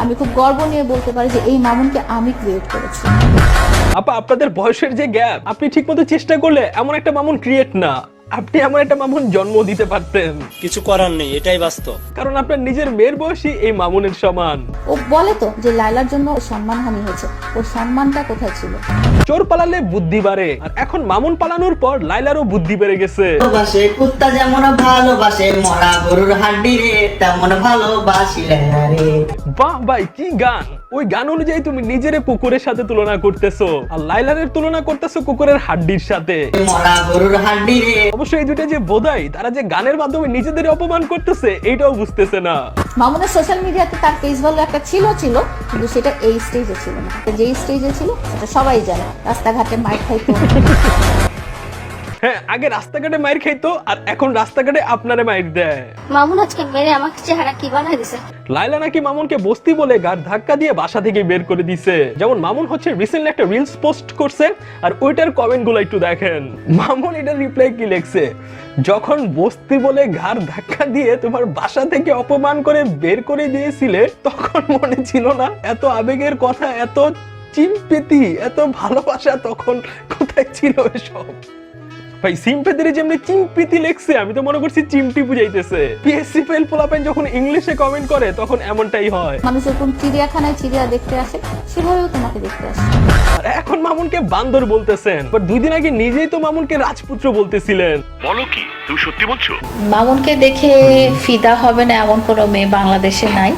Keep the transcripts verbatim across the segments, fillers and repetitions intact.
আমি খুব গর্ব নিয়ে বলতে পারি যে এই মামুনকে আমি ক্রিয়েট করেছি। আপা আপনাদের বয়সের যে গ্যাপ, আপনি ঠিকমতো চেষ্টা করলে এমন একটা মামুন ক্রিয়েট না, আপনি এমন একটা মামুন জন্ম দিতে পারতেন। কিছু করার নেই, এটাই বাস্তব। কারণ আপনার নিজের মেয়ের বয়সী এই মামুনের সমান। ও বলে তো যে লাইলার জন্য সম্মানহানি হয়েছে, ওর সম্মানটা কোথায় ছিল? চোর পালালে বুদ্ধি বাড়ে, আর এখন মামুন পালানোর পর লাইলারও বুদ্ধি বেড়ে গেছে। ভালোবাসে কুত্তা যেমন ভালোবাসে মরা গরুর হাড্ডি রে, তেমন ভালোবাসি লাইলা রে। বাহ ভাই কি গান! ওই গান অনুযায়ী তুমি নিজের কুকুরের সাথে তুলনা করতেছো, আর লাইলারের তুলনা করতেছো কুকুরের হাড্ডির সাথে। মরা গরুর হাড্ডি রে। অবশ্যই এই দুইটা যে বোধাই, তারা যে গানের মাধ্যমে নিজেদের অপমান করতেছে এইটাও বুঝতেছে না। মামুনের সোশ্যাল মিডিয়াতে তার পেজ ভ্যালু একটা ছিল ছিল কিন্তু সেটা এই স্টেজে ছিল না। যেই স্টেজে ছিল সেটা সবাই জানে, রাস্তাঘাটে মাইর খাইতো। হ্যাঁ, আগে রাস্তাঘাটে মাইর খাইতো, আর এখন রাস্তাঘাটে আপনারে মাইর দেয়। মামুন আজকে মেরে আমাকে চেহারা কি বানাই দিছে। লাইলা নাকি মামুনকে বস্তি বলে গাড় ধাক্কা দিয়ে বাসা থেকে বের করে দিছে। যেমন মামুন হচ্ছে রিসেন্টলি একটা রিলস পোস্ট করছে, আর ওইটার কমেন্ট গুলো একটু দেখেন। মামুন এটার রিপ্লাই কি লিখছে: যখন বস্তি বলে ঘাড় ধাক্কা দিয়ে তোমার বাসা থেকে অপমান করে বের করে দিয়েছিলে, তখন মনে ছিল না এত আবেগের কথা, এত চিম্পিতি, এত ভালোবাসা তখন কোথায় ছিল এসব? ভাই সিম্পেথি যেমনি চিম্পিতি লেখছে, আমি তো মনে করছি চিমটি বুঝাইতেছে। পিএসসি ফেল পোলাপেন যখন ইংলিশে কমেন্ট করে তখন এমনটাই হয়। মানুষ যখন চিড়িয়াখানায় চিড়িয়া দেখতে আসে সেভাবেও তোমাকে দেখতে আসে। আর এখন মামুনকে বান্দর বলতেছেন, বাট দুই দিন আগে নিজেই তো মামুনকে রাজপুত্র বলতেছিলেন। বলো কি, তুমি সত্যি বলছো? মামুনকে দেখে ফিদা হবে না এমন কোনো মেয়ে বাংলাদেশে নাই।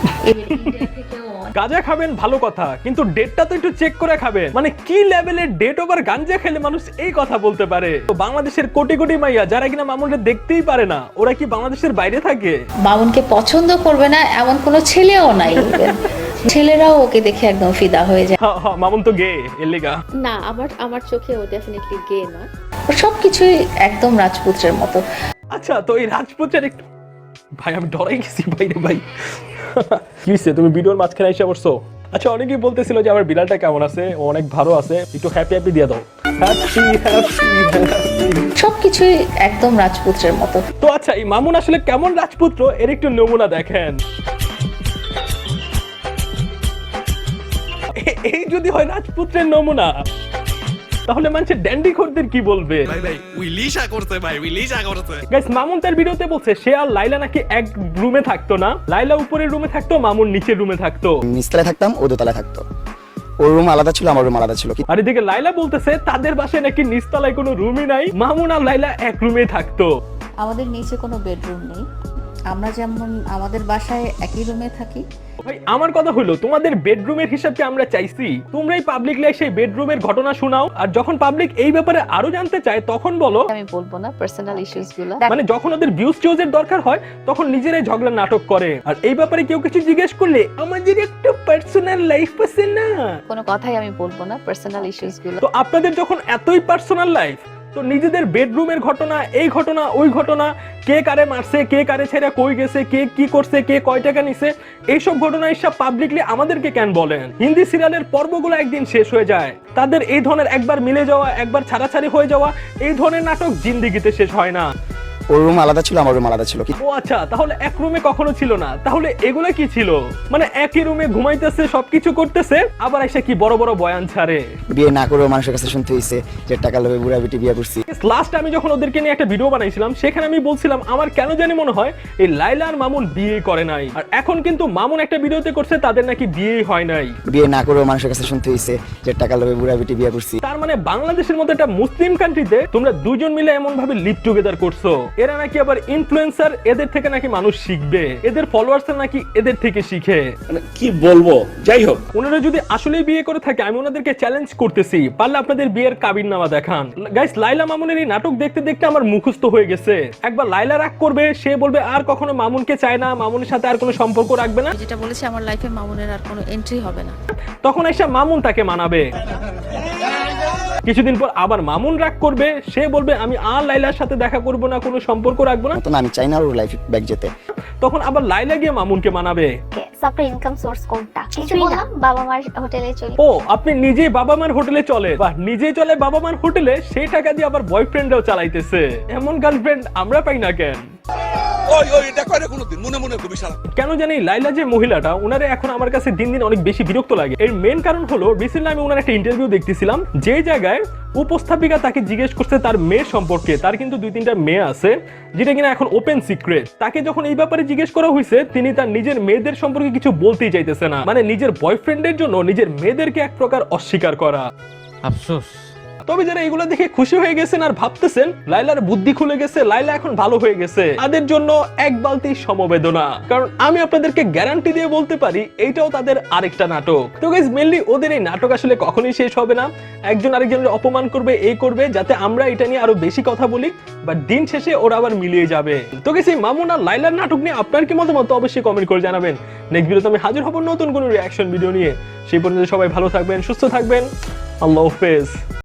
গাঁজা খাবেন ভালো কথা, কিন্তু ডেটটা তো একটু চেক করে খাবেন। মানে কি লেভেলের ডেট ওভার গাঁজা খেলে মানুষ এই কথা বলতে পারে? তো বাংলাদেশের কোটি কোটি মাইয়া যারা কিনা মামুনকে দেখতেই পারে না, ওরা কি বাংলাদেশের বাইরে থাকে? মামুনকে পছন্দ করবে না এমন কোনো ছেলেও নাই। ছেলেরাও ওকে দেখে একদম ফিদা হয়ে যায়। হ্যাঁ হ্যাঁ, মামুন তো গে এর লিগা। না, আমার আমার চোখে ও ডেফিনেটলি গে না। ওর সবকিছুই একদম রাজপুত্রের মতো। আচ্ছা, তো এই রাজপুত্রের একটু, ভাই আমি ডরাই গেছি বাইরে ভাই। কি হইছে, তুমি ভিডিওর মাঝখানে এসে পড়ছো? আচ্ছা, অনেকেই বলতেছিল যে আমার বিড়ালটা কেমন আছে, ও অনেক ভালো আছে, একটু হ্যাপি হ্যাপি দিয়ে দাও। হ্যাপি হ্যাপি হ্যাপি, সবকিছুই একদম রাজপুত্রের মতো। তো আচ্ছা, এই মামুন আসলে কেমন রাজপুত্র এর একটু নমুনা দেখেন। এ- এই যদি হয় রাজপুত্রের নমুনা, তাহলে মানুষের ড্যান্ডি খোরদের কি বলবে? ভাই ভাই উইলিশা করতে ভাই উইলিশা করতে গাইস, মামুন তার ভিডিওতে বলছে সে আর লাইলা নাকি এক রুমে থাকতো না, লাইলা উপরের রুমে থাকতো, মামুন নিচের রুমে থাকতো। নিচতলায় থাকতাম, ও দোতলায় থাকতো। ওর রুম আলাদা ছিল, আমার রুম আলাদা ছিল। আর এদিকে লাইলা বলতেছে তাদের বাসায় নাকি নিচতলায় কোনো রুমই নাই, মামুন আর লাইলা এক রুমে থাকতো। আমাদের নিচে কোনো বেডরুম নেই, আমরা যেমন আমাদের বাসায় একই রুমে থাকি। ভাই আমার কথা হলো, তোমাদের বেডরুমের হিসাবকে আমরা চাইছি, তোমরাই পাবলিকলি সেই বেডরুমের ঘটনা শোনাও, আর যখন পাবলিক এই ব্যাপারে আরো জানতে চায় তখন বলো। আমি বলবো না পার্সোনাল ইস্যুস গুলো। মানে যখন ওদের ভিউজ টিউজের দরকার হয় তখন নিজেরাই ঝগড়া নাটক করে, আর এই ব্যাপারে কেউ কিছু জিজ্ঞেস করলে আমাদের একটা পার্সোনাল লাইফ আছে না, কোনো কথাই আমি বলবো না পার্সোনাল ইস্যুস গুলো। তো আপনাদের যখন এতই পার্সোনাল লাইফ, তো নিজেদের বেডরুমের ঘটনা, এই ঘটনা ওই ঘটনা, কে কারে মারছে, কে কারে ছেড়ে কই গেছে, কে কি করছে, কে কয় টাকা নিছে, এইসব ঘটনা হিসাব পাবলিকলি আমাদেরকে কেন বলেন? হিন্দি সিরিয়ালের পর্বগুলো একদিন শেষ হয়ে যায়, তাদের এই ধরনের একবার মিলে যাওয়া, একবার ছাড়াছাড়ি হয়ে যাওয়া, এই ধরনের নাটক জিন্দেগিতে শেষ হয় না। ওর রুম আলাদা ছিল, আমার রুম আলাদা ছিল। ও আচ্ছা, তাহলে এক রুমে কখনো ছিল না, তাহলে এগুলা কি ছিল? মানে একই রুমে ঘুমাইতেছে, সবকিছু করতেছে, আবার এসে কি বড় বড় বয়ান ছাড়ে। বিয়ে না করেও মানুষের কাছে শুনতে হয়েছে যে টাকা লোভে বুড়া বেটি বিয়ে করছি। লাস্ট আমি যখন ওদেরকে নিয়ে একটা ভিডিও বানাইছিলাম, সেখানে আমি বলছিলাম আমার কেন জানি মনে হয় এই লাইলা আর মামুন বিয়ে করে নাই, আর এখন কিন্তু মামুন একটা ভিডিওতে করছে তাদের নাকি বিয়েই হয় নাই। বিয়ে না করেও মানুষের কাছে শুনতে হয়েছে যে টাকা লোভে বুড়া বেটি বিয়ে করছি। তার মানে বাংলাদেশের মতো একটা মুসলিম কান্ট্রিতে তোমরা দুজন মিলে এমন ভাবে লিভ টুগেদার করছো, এরা নাকি আবার ইনফ্লুয়েন্সার, এদের থেকে নাকি মানুষ শিখবে, এদের ফলোয়ার্স নাকি এদের থেকে শিখে। মানে কি বলবো, যাই হোক, ওনারা যদি আসলেই বিয়ে করে থাকে, আমি ওনাদেরকে চ্যালেঞ্জ করতেছি, পারলে আপনাদের বিয়ের কাবিননামা দেখান। গাইস, লাইলা মামুনের এই নাটক দেখতে দেখতে আমার মুখস্থ হয়ে গেছে। একবার লাইলা রাগ করবে, সে বলবে আর কখনো মামুনকে চায় না, মামুনের সাথে আর কোনো সম্পর্ক রাখবে না, যেটা বলেছি আমার লাইফে মামুনের আর কোনো এন্ট্রি হবে না। তখন এসে মামুন তাকে মানাবে। কিছুদিন পর আবার মামুন রাগ করবে, সে বলবে আমি আর লাইলার সাথে দেখা করব না, কোনো সম্পর্ক রাখবো না, আমি চাই না ওর লাইফ ব্যাক যেতে। তখন আবার লাইলা গিয়ে মামুনকে মানাবে। আপনার ইনকাম সোর্স কোনটা? কিছু বললাম, বাবা মার হোটেলে চলি। ও, আপনি নিজেই বাবা মার হোটেলে চলে, বাহ, নিজেই চলে বাবা মার হোটেলে, সেই টাকা দিয়ে আবার বয়ফ্রেন্ডও চালাইতেছে। এমন গার্লফ্রেন্ড আমরা পাই না কেন? ওই ওই এটা কয়টা কোনোদিন মনে মনে কবি শালা কেন জানি লাইলা যে মহিলাটা ওনারে এখন আমার কাছে দিন দিন অনেক বেশি বিরক্ত লাগে। এর মেন কারণ হলো রিসেন্টলি আমি ওনার একটা ইন্টারভিউ দেখতেছিলাম, যে জায়গায় উপস্থাপিকা তাকে জিজ্ঞেস করছে তার মেয়ে সম্পর্কে। তার কিন্তু দুই তিনটা মেয়ে আছে, যেটা কিনা এখন ওপেন সিক্রেট। তাকে যখন এই ব্যাপারে জিজ্ঞেস করা হয়েছে, তিনি তার নিজের মেয়েদের সম্পর্কে কিছু বলতেই চাইতেছে না। মানে নিজের বয়ফ্রেন্ডের জন্য নিজের মেয়েদেরকে এক প্রকার অস্বীকার করা। আফসোস। তবে যারা এগুলো দেখে খুশি হয়ে গেছেন আর ভাবতেছেন লাইলার বুদ্ধি খুলে গেছে, লাইলা এখন ভালো হয়ে গেছে, তাদের জন্য এক বালতি সমবেদনা। কারণ আমি আপনাদেরকে গ্যারান্টি দিয়ে বলতে পারি এইটাও তাদের আরেকটা নাটক। তো গাইস, মেইনলি ওদের এই নাটক আসলে কখনোই শেষ হবে না। একজন আরেকজনের অপমান করবে, এই করবে, যাতে আমরা এটা নিয়ে আরো বেশি কথা বলি, বাট দিন শেষে ওরা আবার মিলিয়ে যাবে। তো গাইস, এই মামুন আর লাইলার নাটক নিয়ে আপনার কি মতামত অবশ্যই কমেন্ট করে জানাবেন। নেক্সট ভিডিওতে আমি হাজির হব নতুন কোনো রিঅ্যাকশন ভিডিও নিয়ে। সেই পর্যন্ত সবাই ভালো থাকবেন, সুস্থ থাকবেন। আল্লাহ হাফেজ।